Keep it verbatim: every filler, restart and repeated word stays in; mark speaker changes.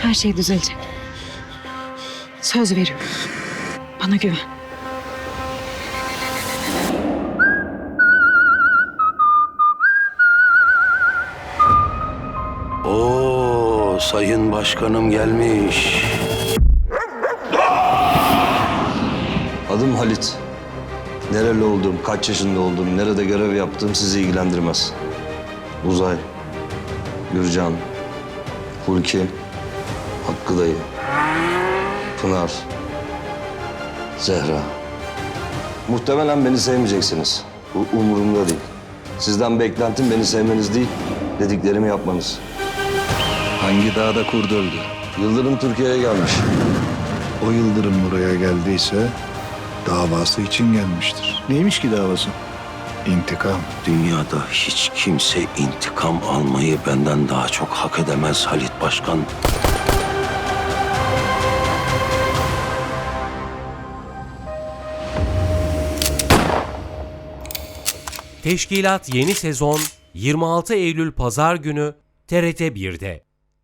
Speaker 1: Her şey düzelecek. Söz veriyorum. Bana güven.
Speaker 2: Oo, sayın başkanım gelmiş.
Speaker 3: Adım Halit. Nereli olduğum, kaç yaşında olduğum, nerede görev yaptığım sizi ilgilendirmez. Uzay, Gürcan, Hulki, Hakkı dayı, Pınar, Zehra. Muhtemelen beni sevmeyeceksiniz. Bu umurumda değil. Sizden beklentim beni sevmeniz değil, dediklerimi yapmanız.
Speaker 4: Hangi dağda kurdu öldü?
Speaker 3: Yıldırım Türkiye'ye gelmiş.
Speaker 4: O Yıldırım buraya geldiyse davası için gelmiştir. Neymiş ki davası? İntikam.
Speaker 2: Dünyada hiç kimse intikam almayı benden daha çok hak edemez Halit Başkan.
Speaker 5: Teşkilat yeni sezon yirmi altı Eylül Pazar günü T R T bir'de.